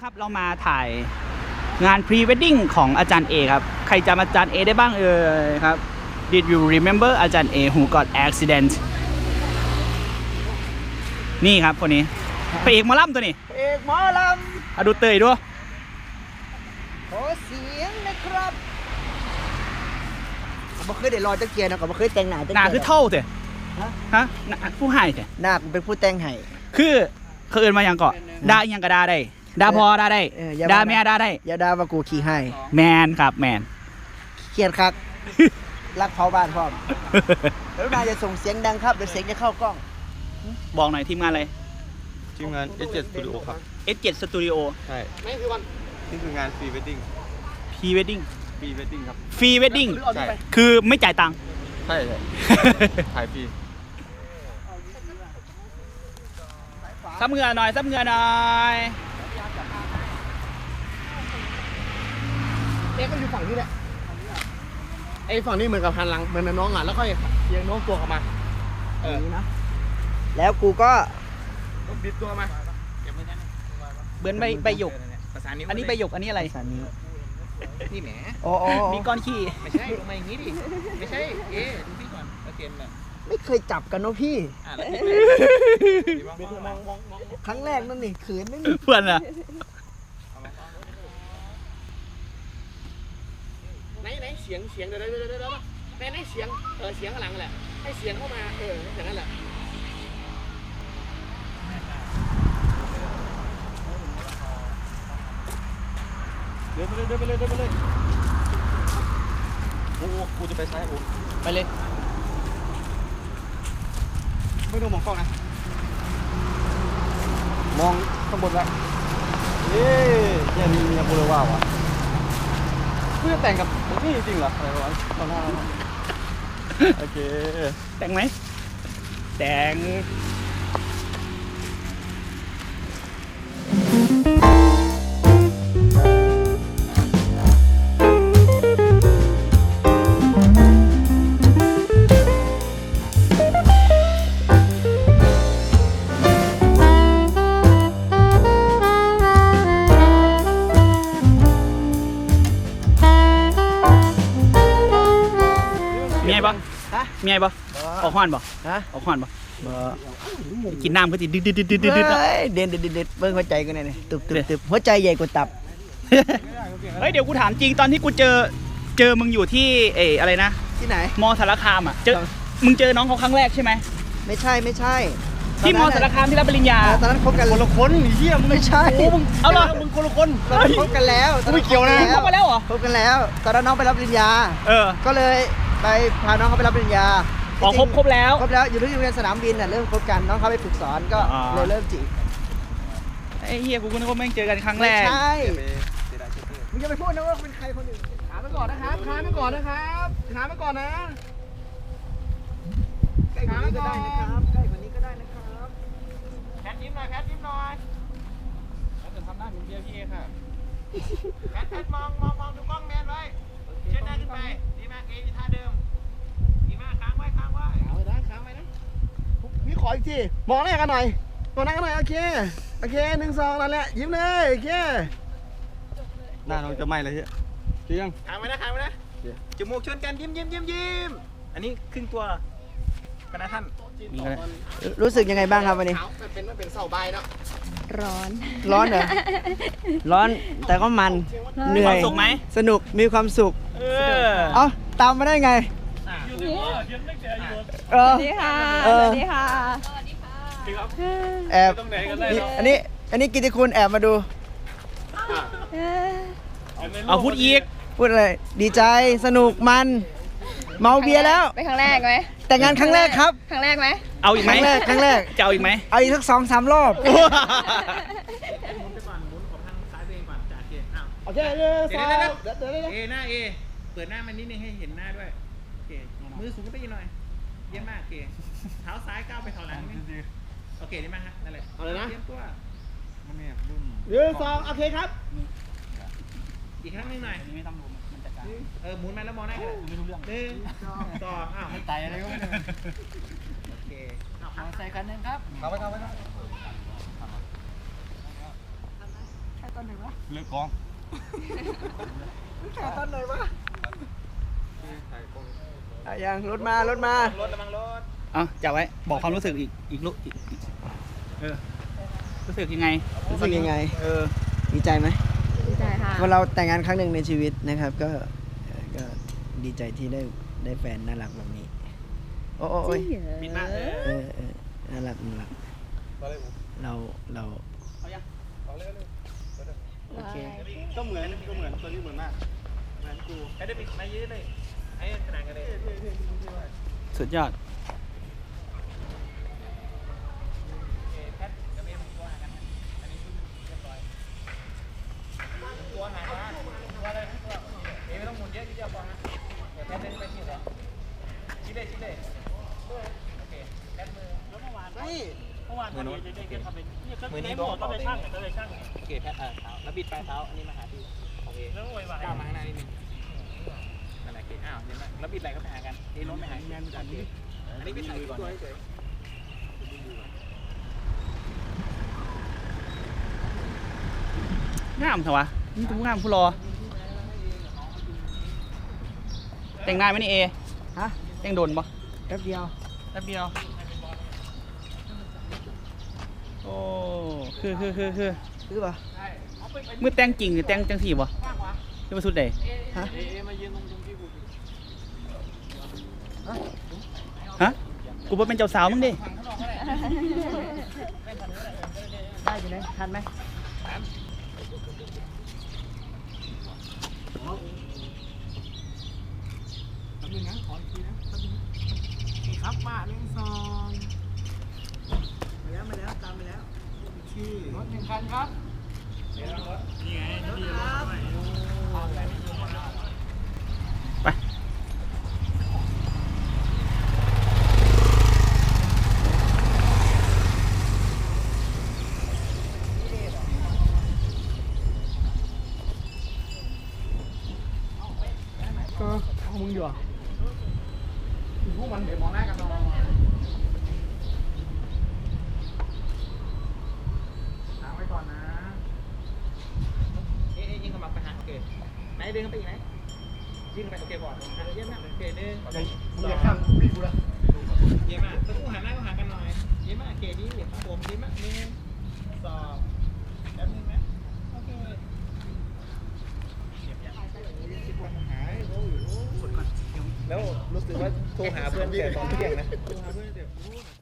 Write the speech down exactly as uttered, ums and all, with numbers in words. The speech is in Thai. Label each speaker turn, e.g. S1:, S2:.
S1: ครับเรามาถ่ายงานพรีเวดดิ้งของอาจารย์เอครับใครจำอาจารย์เอได้บ้างเอ่ยครับ Did you remember อาจารย์เอ who got accident นี่ครับคนนี้พระเอกหมอลำตัวนี้
S2: เอกหมอล
S1: อะดูเตยด้วย
S2: ำขอเสียงนะครับผมไม่เคยได้รอจักเกียร์นะผมไม่เคยแต่งหน้าจัก
S1: หน้า
S2: เกียร์
S1: คือเท่าเถอะ
S2: ฮะ
S1: ฮะหน้าผู้ให้เถอะ
S2: หน้าผมเป็นผู้แต่งให้
S1: คือเขาเอินมาอย่างเกาะด่าอหยังก็ด่าได้ด่าพอด่าได้
S2: เอออย่า
S1: ด่า
S2: ว่า
S1: แม่ด่าได้
S2: อย่าด่าว่ากูขี้ให้
S1: แมนครับแมน
S2: เครียดคัก รักเผาบ้านพร้อมแล้วนายจะส่งเสียงดังครับเดี๋ยวเสียงจะเข้ากล้อง
S1: บอกหน่อยทีมงานอะไร
S3: ทีมงาน เอส เจ็ด Studio ครับ
S1: เอส เจ็ด Studio
S3: ใช่นี่คือวันนี่คืองานฟรีเวดดิ้ง
S1: Pre Wedding
S3: ฟรีเวดดิ้งครับ
S1: ฟรีเวดดิ้ง
S3: ใช่
S1: คือไม่จ่ายตังค์
S3: ใช่ใช่ถ่ายฟรี
S1: ซับเหงื่อหน่อยซับเหงื่อหน่อย
S4: เอ๊ะก็อยู่ฝั่งนี้แหละไอ้ฝั่งนี้เหมือนกับหันหลังเหมือนน้องอ่ะแล้วค่อยเอียงโน้มตัวกลับมาเออ
S2: นะแล้วกูก็
S4: ต้องบิดตัวมา
S1: เบือนใบใบหยก
S4: ภาษานิ้ว
S1: อันนี้ใบหยกอันนี้อะไร
S2: สานนี้
S4: นี่แหม
S2: โอ้โอ้
S1: มีก้อนขี้
S4: ไม่ใช่ลงมาอย่างนี้ดิไม่ใช่เอ๊ะดูพี่ก่อนแล้วเกมน่ะ
S2: ไม่เคยจับกันเนาะพี่
S4: อ่ะแล้วพี่บิดมองมองมอง
S2: ครั้งแรกนั่นนี่ขืนนั่นนี่
S1: เพื่อนอะ
S4: ไหนไหนเสียงเสียงเดี๋ยวเดี๋ยวเดี๋ยวเดี๋ยวไหนไหนเสียงเออเสียงข้างหลังแหละให้เสียงเข้ามาเอออย่างนั้นแหละ
S3: เดินไปเลยเดินไปเลยเดินไปเลยโอ้โหกูจะไปซ้ายโอ้
S1: ไปเลย
S3: ไม่ต้องมองกล้องนะ มองข้างบนไว้เย้เนี่ยมีเมียโบเลว่าวะกูจะแต่งกับมึงนี่จริงเหรออะไรวะตอนหน้าโอเค
S1: แต่งไหมแต่งมีไงปะ
S2: ฮะ
S1: มีไงปะออกหวานปะ
S2: ฮะ
S1: ออกหวานปะกินน้ำก็ติดดึดดึดดึดดึดดึดดึด
S2: เฮ้ยเด่นเด่นเด่นเด่นเบิ้งหัวใจกูเนี่ยตุบตุบตุบหัวใจใหญ่กว่าตับ
S1: เฮ้ยเดี๋ยวกูถามจริงตอนที่กูเจอเจอมึงอยู่ที่เอออะไรนะ
S2: ที่ไหน
S1: มอสารคามอ่ะเจอมึงเจอน้องเขาครั้งแรกใช่ไหม
S2: ไม่ใช่ไม่ใช่
S1: ที่มอสารคามที่รับปริญญา
S2: เออตอนนั้นคบกัน
S3: คนละคนเหี้ยมึง
S2: ไม่ใช่
S1: โอ้มึงเอาเหรอ
S3: มึงคนละคน
S2: ตอนนั้นคบกันแล้วตอน
S3: ไม่เกี่ยวนะ
S2: คบ
S1: เข้ามาแล้วเหรอ
S2: คบกันแล้ว ตอนนั้นน้องไปรับปริญญา
S1: เออ
S2: ก็เลยไปพาน้องเขาไปรับปริญญา
S1: อ๋อครบครบแล้ว
S2: ครบแล้วอยู่ที่โรงเรียนสนามบินน่ะเริ่มคบกันน้องเขาไปฝึกสอนก็
S1: อ่า
S2: เลยเริ่มจีบ
S1: ไอ้เฮียกูก็นึกว่าแม่งเจอกันครั้งแร
S2: ไม่
S1: ก
S2: ใช่
S3: ไปเสียดายชุดเตอร์
S2: มึงจะไปพูดนะว่าเป็นใครคนอื่น
S4: ถามไปก่อนนะครับถามไปก่อนนะครับถามไปก่อนนะ
S2: ใกล้กว่านี้ก็ได้นะครับใกล้กว่านี้ก็ได้นะครับ
S4: แพทยิ้มหน่อยแพทยิ้มหน่อย
S1: แล้วจะทำหน้าเหมือนเบียร์พี่เอค่ะ
S4: แพทแพทมองมองมองดูกล้องแมนไว้เชิดหน้าขึ้นไปดีมากเอที่ท่าเดิมดีมากค้างไว้ค้างไว้ค้างไว้นะค้างไว้นะ
S2: พี่ขออีกทีมองหน้ากันหน่อยมองหน้ากันหน่อยโอเคโอเคหนึ่งสองนั่นแหละยิ้มเลยโอเค
S3: หน้าน้องจะไหม้เลยเฮียจริงยัง
S4: ค้างไว้นะค้างไว้นะ
S3: โอเค
S4: จมูกชนกันยิ้มยิ้มยิ้มยิ้มอันนี้ครึ่งตัวกันนะท่าน
S1: นี่ก็ได้
S2: รู้สึกยังไงบ้างครับวันนี้
S4: ขาวมันเป็นมันเป็นเสาใบเนาะ
S5: ร้อน
S2: ร้อนเหรอ ร้อนแต่ก็มันเหนื่
S1: ค
S2: อ
S1: วาย มสุขไหม
S2: สนุกมีความสุข
S1: เออ
S2: เอ้าตามมาได้ไงเอ
S5: ส
S2: อ
S5: วัสดีค่ะ
S2: เอ
S5: ส
S2: อ
S5: วัสดีค่ะ
S2: แอบนี่อันนี้อันนี้กิติคุณแอบมาดู
S5: เออ
S1: เอาพูดอีก
S2: พูดอะไรดีใจสนุกมันเมาเบียร์แล้ว
S5: เป็นครั้งแรกไหม
S2: แต่งงานครั้งแรกครับ
S5: ครั้งแรกไหม
S1: เอาอีก
S2: ค
S1: ไหม
S2: รั้งแรกครั้งแรก
S1: จะเอาอีกไหม
S2: เอาอีกสักสองสามรอบ
S4: หมุนไปก่อนหมุนของทางซ้ายตัวเองก่อนจ่าเกอ้าว
S2: โอเคเดี๋ยว
S4: เดี๋ยว
S2: เดี๋ยว
S4: เดี๋ยว
S2: เดี๋ยวเดี๋ยว
S4: เอหน้าเอเปิดหน้ามันนิดนึงให้เห็นหน้าด้วยโอเคมือสูงขึ้นไปอีกหน่อยเยี่ยมมากโอเคเท้าซ้ายก้าวไปเท้าหลังนิดนึงโอเคได้ไหมฮะนั่นแหละเอาเลยนะเตรียมตัว
S3: มันเนี่ยรุ่น
S2: หนึ่งสองโอเคครับ
S4: อีกครั้งหนึงหน่อย
S1: ไม่ต้องรู้มันจัดการ
S4: เออหมุนมาแล้วมองหน้ากัน
S1: ไม่รู้เรื่อง
S4: หนึ่งสองอ้าวไม่ตายอะไรก็ไม่รู้โอเคเอาครับ
S1: ใส่คันนึงครับ
S3: เข้าไปเข้าไปเข้า
S5: ไป
S3: เลือกกอง
S2: ถ่ายตอนไหนวะ
S3: ถ่ายกล้อง
S2: ถ่ายยังรถมารถมา
S4: รถระวังรถ
S1: เอาจับไว้ บอกความรู้สึกอีกอีกลุอีกอีกเออ รู้สึกยังไง
S2: รู้สึกยังไง
S1: เออ
S2: ดีใจไหม
S5: ดีใจค่ะ
S2: เมื่อเราแต่งงานครั้งหนึ่งในชีวิตนะครับ ก็เอ่อก็ดีใจที่ได้ได้แฟนน่ารักแบบนี้ โอ้โอ้โอ้ย
S5: จริงเหรอ
S4: บินมาเออ
S2: เออเออน่ารักน่ารัก
S3: ตอนแรกผม
S2: เราเรา
S1: เอายัง
S3: ตอนแรกเลย
S2: โอเค
S3: ก็เหมือนก็เหมือนตัวนี้เหมือนมากเหมือนกู
S4: ไอ้ได้บินมาเยอะเลยไอ้ขนาดกันเลย
S1: สุดยอด
S4: แพทกับเอ็มตัวหากันอันนี้ชุดเรียบร้อยตัวหามาตัวอะไรตัวเอ็มไม่ต้องหมุนเยอะทีเดียวพอนะเดี๋ยวแพทเล่นไปที่เหรอชี้เลยชี้เลยโอเคแพทมือแล้วเมื่อวาน
S2: นี่
S4: เมื่อวานพอดีจะได้เก็บทำเป็นมือนี้บอกก็ไปช่างก็ไปช่างโอเคแพทเออเท้าแล้วบิดปลายเท้าอันนี้มาหาที่โอเคแล้วโวยวายก้าวมาข้างหน้านิดนึงนั่นแหละโอเคอ้าวเห็นไหมแล้วบิดไหลก็ไปหากันเอ้รถไปหาแมนกันนี่อันนี้บิดไหลตัวเฉย
S1: งามเถอะวะนี่ทุกงามผู้รอ แต่งงานไหมนี่เอ
S2: ฮะ
S1: แต่งโดนปะ
S2: แป๊บเดียว
S1: แป๊บเดียว โอ้ คือคือคือคือ
S2: คือป่ะ
S1: มือแต่งจริงหรือแต่งจังสี่ปะจะมาสุดใด
S2: ฮะ
S3: เอ๊ะมายืนตรงตรงที่กู
S1: ฮะ กูบ่เป็นเจ้าสาวมึงดิ
S2: ได้อยู่ไหนทันไหม
S3: แป๊บนึงนะขออีกทีนะแป๊บนึงนี่ครับป้าหนึ่งสอง
S2: มาแล้วมาแล้วตามไปแล้ว
S3: ชื่อรถหนึ่งคันครับ
S1: ไป
S2: ก็เอามึงอยู่อ่ะ
S3: พวกมันเดี๋ยวมองหน้ากันหน่อยถามไว้ก่อนนะ
S4: เอ๊ะยิงเข้ามาไปหาโอเคไหนเดินเข้าไปอีกไหนยิงเข้าไปโอเคก่อนเยี่ยมมากโอเคเดิน
S3: มึงอย่าข้ามพี่กูละ
S4: เยี่ยมมากตะกู้หันหน้าก็หากันหน่อยเยี่ยมมากโอเคดีครับผมเยี่ยมมากหนึ่งสองแป๊บนึงนะโอเคแล้วรู้สึกว่าโทรหาเพื่อนแต่ตอนเที่ยงนะโทรหาเพื่อนแต่